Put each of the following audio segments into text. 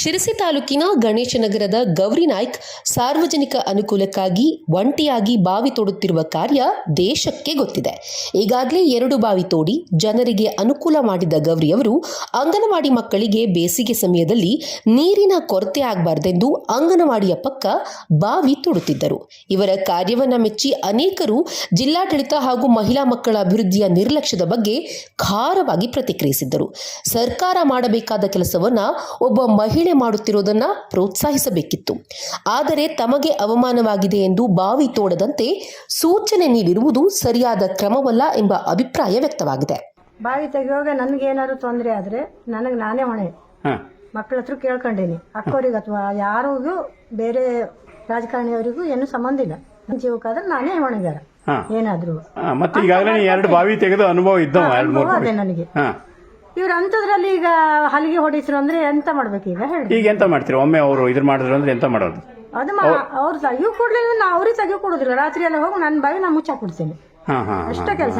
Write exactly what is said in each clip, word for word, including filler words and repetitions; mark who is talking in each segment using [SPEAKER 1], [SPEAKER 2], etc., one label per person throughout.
[SPEAKER 1] ಶಿರಸಿ ತಾಲೂಕಿನ ಗಣೇಶನಗರದ ಗೌರಿ ನಾಯ್ಕ್ ಸಾರ್ವಜನಿಕ ಅನುಕೂಲಕ್ಕಾಗಿ ಒಂಟಿಯಾಗಿ ಬಾವಿ ತೋಡುತ್ತಿರುವ ಕಾರ್ಯ ದೇಶಕ್ಕೆ ಗೊತ್ತಿದೆ. ಈಗಾಗಲೇ ಎರಡು ಬಾವಿ ತೋಡಿ ಜನರಿಗೆ ಅನುಕೂಲ ಮಾಡಿದ ಗೌರಿಯವರು ಅಂಗನವಾಡಿ ಮಕ್ಕಳಿಗೆ ಬೇಸಿಗೆ ಸಮಯದಲ್ಲಿ ನೀರಿನ ಕೊರತೆ ಆಗಬಾರದೆಂದು ಅಂಗನವಾಡಿಯ ಪಕ್ಕ ಬಾವಿ ತೋಡುತ್ತಿದ್ದರು. ಇವರ ಕಾರ್ಯವನ್ನ ಮೆಚ್ಚಿ ಅನೇಕರು ಜಿಲ್ಲಾಡಳಿತ ಹಾಗೂ ಮಹಿಳಾ ಮಕ್ಕಳ ಅಭಿವೃದ್ಧಿಯ ನಿರ್ಲಕ್ಷ್ಯದ ಬಗ್ಗೆ ಖಾರವಾಗಿ ಪ್ರತಿಕ್ರಿಯಿಸಿದ್ದರು. ಸರ್ಕಾರ ಮಾಡಬೇಕಾದ ಕೆಲಸವನ್ನ ಒಬ್ಬ ಮಹಿಳೆ ಮಾಡುತ್ತಿರುವುದನ್ನು ಪ್ರೋತ್ಸಾಹಿಸಬೇಕಿತ್ತು. ಆದರೆ ತಮಗೆ ಅವಮಾನವಾಗಿದೆ ಎಂದು ಬಾವಿ ತೋಡದಂತೆ ಸೂಚನೆ ನೀಡಿರುವುದು ಸರಿಯಾದ ಕ್ರಮವಲ್ಲ ಎಂಬ ಅಭಿಪ್ರಾಯ ವ್ಯಕ್ತವಾಗಿದೆ.
[SPEAKER 2] ಬಾವಿ ತೆಗೆಯುವಾಗ ನನಗೆ ಏನಾದ್ರು ತೊಂದರೆ ಆದ್ರೆ ನನಗೆ ನಾನೇ ಹೊಣೆ. ಮಕ್ಕಳ ಹತ್ರ ಕೇಳ್ಕೊಂಡೇನಿ, ಅಕ್ಕವರಿಗೆ ಅಥವಾ ಯಾರಿಗೂ ಬೇರೆ ರಾಜಕಾರಣಿಯವರಿಗೂ ಏನು ಸಂಬಂಧ ಇಲ್ಲ. ನನ್ನ ಜೀವಕ್ಕಾದ್ರೆ ನಾನೇ ಹೊಣೆಗಾರ ಏನಾದ್ರು.
[SPEAKER 3] ಮತ್ತೆ ಈಗಾಗಲೇ ಎರಡು ಬಾವಿ ತೆಗೆದು ಅನುಭವ ಇದ್ದವ
[SPEAKER 2] ಅದೇ ನನಗೆ. ಇವ್ರು ಅಂತದ್ರಲ್ಲಿ ಈಗ ಹಲಿಗೆ ಹೊಡಿಸ್ರು ಅಂದ್ರೆ ಎಂತ ಮಾಡ್ಬೇಕು ಈಗ ಹೇಳಿ.
[SPEAKER 3] ಈಗ ಎಂತ ಮಾಡ್ತೀರಿ? ಒಮ್ಮೆ ಅವರು ಇದ್ರ ಮಾಡಿದ್ರು ಅಂದ್ರೆ ಎಂತ ಮಾಡೋದು?
[SPEAKER 2] ಅದು ಅವ್ರು ತೆಗಿಯೋ ಕೊಡ್ಲಿಲ್ಲ, ನಾ ಅವ್ರಿಗೆ ತೆಗಿಯೋ ಕೊಡುದಿಲ್ಲ. ರಾತ್ರಿ ಎಲ್ಲ ಹೋಗಿ ನನ್ನ ಬಾವಿ ನಾ ಮುಚ್ಚಾಕ್ಬಿಡ್ತೇನೆ. ಅಷ್ಟೇ ಕೆಲಸ.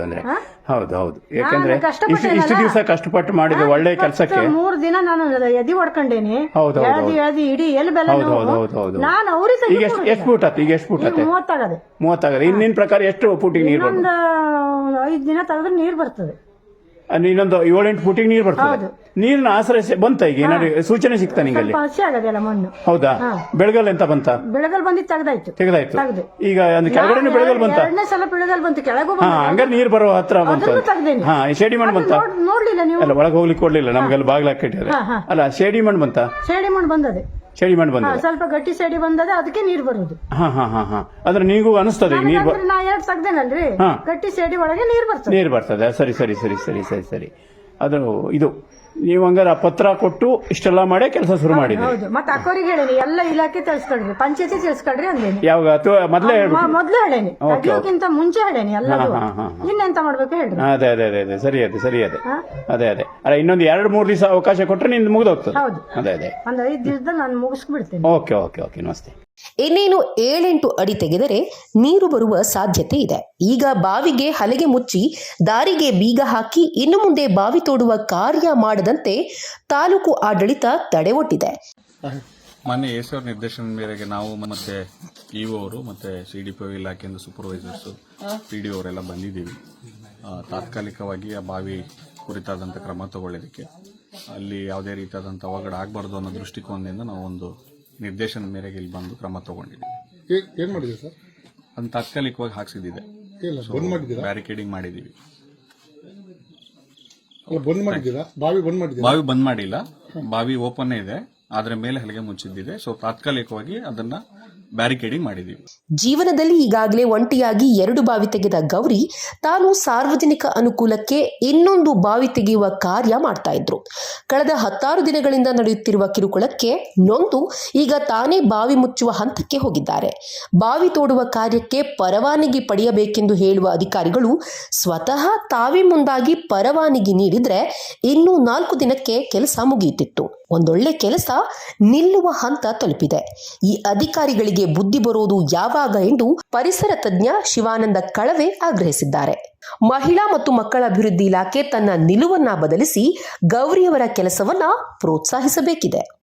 [SPEAKER 3] ಹೌದು ಹೌದು. ಯಾಕಂದ್ರೆ ಇಷ್ಟು ದಿವಸ ಕಷ್ಟಪಟ್ಟು ಮಾಡಿದ ಒಳ್ಳೆ ಕೆಲಸಕ್ಕೆ
[SPEAKER 2] ಮೂರ್ ದಿನ ನಾನು ಎದಿ ಹೊಡ್ಕೊಂಡೇನಿ. ಎಳ್ದಿ ಎಳ್ದಿ ಇಡೀ ಎಲ್ಲಿ ಬೆಲ್ಲ ನಾನು ಅವ್ರಿಗೆ
[SPEAKER 3] ಈಗ ಎಷ್ಟು ಫೂಟ್ ಆತ? ಈಗ ಎಷ್ಟು ಫೂಟ್ ಆತ?
[SPEAKER 2] ಮೂವತ್ತಾಗದೆ
[SPEAKER 3] ಮೂವತ್ತಾಗದೆ. ಇನ್ನಿನ ಪ್ರಕಾರ ಎಷ್ಟು ಫೂಟಿಗೆ ನೀರು?
[SPEAKER 2] ಒಂದು ಐದ್ ದಿನ ತೆಗೆದ್ರೆ ನೀರ್ ಬರ್ತದೆ.
[SPEAKER 3] ಇನ್ನೊಂದು ಏಳೆಂಟು ಫೂಟಿಗೆ ನೀರು ಬರ್ತದೆ. ನೀರಿನ ಆಶ್ರಯ ಬಂತ? ಈಗ ಏನಾದ್ರು ಸೂಚನೆ ಸಿಗ್ತಾ ನಿಂಗಲ್ಲಿ?
[SPEAKER 2] ಹಸಿ ಆಗದಲ್ಲ ಮಣ್ಣು.
[SPEAKER 3] ಹೌದಾ? ಬೆಳಗಲ್ ಎಂತ ಬಂತ?
[SPEAKER 2] ಬೆಳಗಲ್ ಬಂದಿದ್ದು ತೆಗ್ದಾಯ್ತು.
[SPEAKER 3] ತೆಗ್ದಾಯ್ತು. ಈಗ ಕೆಳಗಡೆ ಬೆಳಗಲ್ ಬಂತ?
[SPEAKER 2] ಎರಡನೇ ಸಲ ಬೆಳಗಲ್ ಬಂತು. ಕೆಳಗೂ
[SPEAKER 3] ಹಂಗ ನೀರ್ ಬರೋ ಹತ್ರ ಬಂತು. ಹಾ, ಶೇಡಿ ಮಣ್ಣು ಬಂತ?
[SPEAKER 2] ನೋಡ್ಲಿಲ್ಲ ನೀವು?
[SPEAKER 3] ಅಲ್ಲ, ಒಳಗೆ ಹೋಗ್ಲಿಕ್ಕೆ ಕೊಡ್ಲಿಲ್ಲ ನಮ್ಗೆಲ್ಲ ಬಾಗ್ಲ ಕಟ್ಟಿದ್ರೆ. ಅಲ್ಲ, ಶೇಡಿ ಮಣ್ಣು ಬಂತ?
[SPEAKER 2] ಶೇಡಿ ಮಣ್ಣು ಬಂದದೆ.
[SPEAKER 3] ಶೇಡಿ ಮಣ್ಣು ಬಂದ,
[SPEAKER 2] ಸ್ವಲ್ಪ ಗಟ್ಟಿ ಶೇಡಿ ಬಂದದೆ, ಅದಕ್ಕೆ ನೀರ್ ಬರುದು.
[SPEAKER 3] ಹಾ ಹಾ ಹಾ ಹಾ ಅಂದ್ರೆ ನೀವು ಅನಿಸ್ತದೆ ನೀರ್
[SPEAKER 2] ನಾ ಎರಡ್ ತೆಗ್ದೇನಲ್ರಿ, ಗಟ್ಟಿ ಶೇಡಿ ಒಳಗೆ ನೀರ್ ಬರ್ತದೆ.
[SPEAKER 3] ನೀರ್ ಬರ್ತದೆ. ಸರಿ ಸರಿ ಸರಿ ಸರಿ ಸರಿ ಸರಿ ಅದು ಇದು ನೀವು ಹಂಗಾರ ಪತ್ರ ಕೊಟ್ಟು ಇಷ್ಟೆಲ್ಲ ಮಾಡೇ ಕೆಲಸ ಶುರು ಮಾಡಿದ್ರಿ.
[SPEAKER 2] ಹೌದು. ಮತ್ತೆ ಅಕ್ಕವರಿಗೆ ಹೇಳೇನಿ, ಎಲ್ಲ ಇಲಾಖೆ ತಿಳಿಸ್ಕೊಡ್ರಿ, ಪಂಚಾಯತಿ ತಿಳಿಸ್ಕೊಡ್ರಿ ಅಂದೇನಿ.
[SPEAKER 3] ಯಾವಾಗ? ಮೊದ್ಲೇ
[SPEAKER 2] ಮೊದ್ಲೇ ಹೇಳೇನಿ, ತೆಗಿಯೋಕ್ಕಿಂತ ಮುಂಚೆ ಹೇಳೇನಿ ಎಲ್ಲರೂ. ಇನ್ನೆಂತ ಮಾಡ್ಬೇಕು ಹೇಳ್ರಿ. ಅದೇ
[SPEAKER 3] ಅದೇ ಅದೇ ಅದೇ ಸರಿ ಅದೇ ಸರಿ ಅದೇ ಅದೇ ಅದೇ ಅಲ್ಲ, ಇನ್ನೊಂದು ಎರಡು ಮೂರು ದಿವಸ ಅವಕಾಶ ಕೊಟ್ರೆ ನಿಂದು ಮುಗಿದೋಗ್ತದೆ.
[SPEAKER 2] ಹೌದು.
[SPEAKER 3] ಅದೇ ಅದೇ
[SPEAKER 2] ಒಂದ್ ಐದ್ ದಿವಸದಲ್ಲಿ ನಾನು ಮುಗಿಸ್ಬಿಡ್ತೇನೆ.
[SPEAKER 3] ಓಕೆ ಓಕೆ ಓಕೆ ನಮಸ್ತೆ.
[SPEAKER 1] ಇನ್ನೇನು ಏಳೆಂಟು ಅಡಿ ತೆಗೆದರೆ ನೀರು ಬರುವ ಸಾಧ್ಯತೆ ಇದೆ. ಈಗ ಬಾವಿಗೆ ಹಲಗೆ ಮುಚ್ಚಿ ದಾರಿಗೆ ಬೀಗ ಹಾಕಿ ಇನ್ನು ಮುಂದೆ ಬಾವಿ ತೋಡುವ ಕಾರ್ಯ ಮಾಡದಂತೆ ತಾಲೂಕು ಆಡಳಿತ ತಡೆ ಒಡ್ಡಿದೆ.
[SPEAKER 4] ಮಾನ್ಯ ಎಸ್ ನಿರ್ದೇಶನ ಮೇರೆಗೆ ನಾವು ಮತ್ತೆ ಇಒ ಅವರು ಮತ್ತೆ ಸಿಡಿಪಿಒ ಇಲಾಖೆಯಿಂದ ಸೂಪರ್ವೈಸರ್ಸ್ ಪಿಡಿಒ ಅವರೆಲ್ಲ ಬಂದಿದ್ದೀವಿ. ತಾತ್ಕಾಲಿಕವಾಗಿ ಆ ಬಾವಿ ಕುರಿತಾದಂಥ ಕ್ರಮ ತಗೊಳ್ಳೋದಕ್ಕೆ, ಅಲ್ಲಿ ಯಾವುದೇ ರೀತಿಯಾದಂಥ ಅವಘಡ ಆಗಬಾರ್ದು ಅನ್ನೋ ದೃಷ್ಟಿಕೋನದಿಂದ ನಾವು ಒಂದು ನಿರ್ದೇಶನ ಮೇರೆಗೆ ಇಲ್ಲಿ ಬಂದು ಕ್ರಮ ತಗೊಂಡಿದ್ದೀವಿ.
[SPEAKER 5] ಏನ್ ಮಾಡಿದೆ ಸರ್?
[SPEAKER 4] ಅದನ್ನ ತಾತ್ಕಾಲಿಕವಾಗಿ ಹಾಕ್ಸಿದ್ದಿದೆ, ಬ್ಯಾರಿಕೇಡಿಂಗ್ ಮಾಡಿದೀವಿ. ಬಾವಿ ಬಂದ್ ಮಾಡಿಲ್ಲ, ಬಾವಿ ಓಪನ್ ಇದೆ, ಆದ್ರೆ ಮೇಲೆ ಹಲಗೆ ಮುಚ್ಚಿದ್ದಿದೆ. ಸೊ ತಾತ್ಕಾಲಿಕವಾಗಿ ಅದನ್ನ ಬ್ಯಾರಿಕೇಡಿಂಗ್ ಮಾಡಿದೀವಿ.
[SPEAKER 1] ಜೀವನದಲ್ಲಿ ಈಗಾಗಲೇ ಒಂಟಿಯಾಗಿ ಎರಡು ಬಾವಿ ತೆಗೆದ ಗೌರಿ ತಾನು ಸಾರ್ವಜನಿಕ ಅನುಕೂಲಕ್ಕೆ ಇನ್ನೊಂದು ಬಾವಿ ತೆಗೆಯುವ ಕಾರ್ಯ ಮಾಡ್ತಾ ಇದ್ರು. ಕಳೆದ ಹತ್ತಾರು ದಿನಗಳಿಂದ ನಡೆಯುತ್ತಿರುವ ಕಿರುಕುಳಕ್ಕೆ ನೊಂದು ಈಗ ತಾನೇ ಬಾವಿ ಮುಚ್ಚುವ ಹಂತಕ್ಕೆ ಹೋಗಿದ್ದಾರೆ. ಬಾವಿ ತೋಡುವ ಕಾರ್ಯಕ್ಕೆ ಪರವಾನಗಿ ಪಡೆಯಬೇಕೆಂದು ಹೇಳುವ ಅಧಿಕಾರಿಗಳು ಸ್ವತಃ ತಾವೇ ಮುಂದಾಗಿ ಪರವಾನಗಿ ನೀಡಿದ್ರೆ ಇನ್ನೂ ನಾಲ್ಕು ದಿನಕ್ಕೆ ಕೆಲಸ ಮುಗಿಯುತ್ತಿತ್ತು. ಒಂದೊಳ್ಳೆ ಕೆಲಸ ನಿಲ್ಲುವ ಹಂತ ತಲುಪಿದೆ. ಈ ಅಧಿಕಾರಿಗಳಿಗೆ ಬುದ್ಧಿ ಬರೋದು ಯಾವಾಗ ಎಂದು ಪರಿಸರ ತಜ್ಞ ಶಿವಾನಂದ ಕಳವೆ ಆಗ್ರಹಿಸಿದ್ದಾರೆ. ಮಹಿಳಾ ಮತ್ತು ಮಕ್ಕಳ ಅಭಿವೃದ್ಧಿ ಇಲಾಖೆ ತನ್ನ ನಿಲುವನ್ನ ಬದಲಿಸಿ ಗೌರಿಯವರ ಕೆಲಸವನ್ನ ಪ್ರೋತ್ಸಾಹಿಸಬೇಕಿದೆ.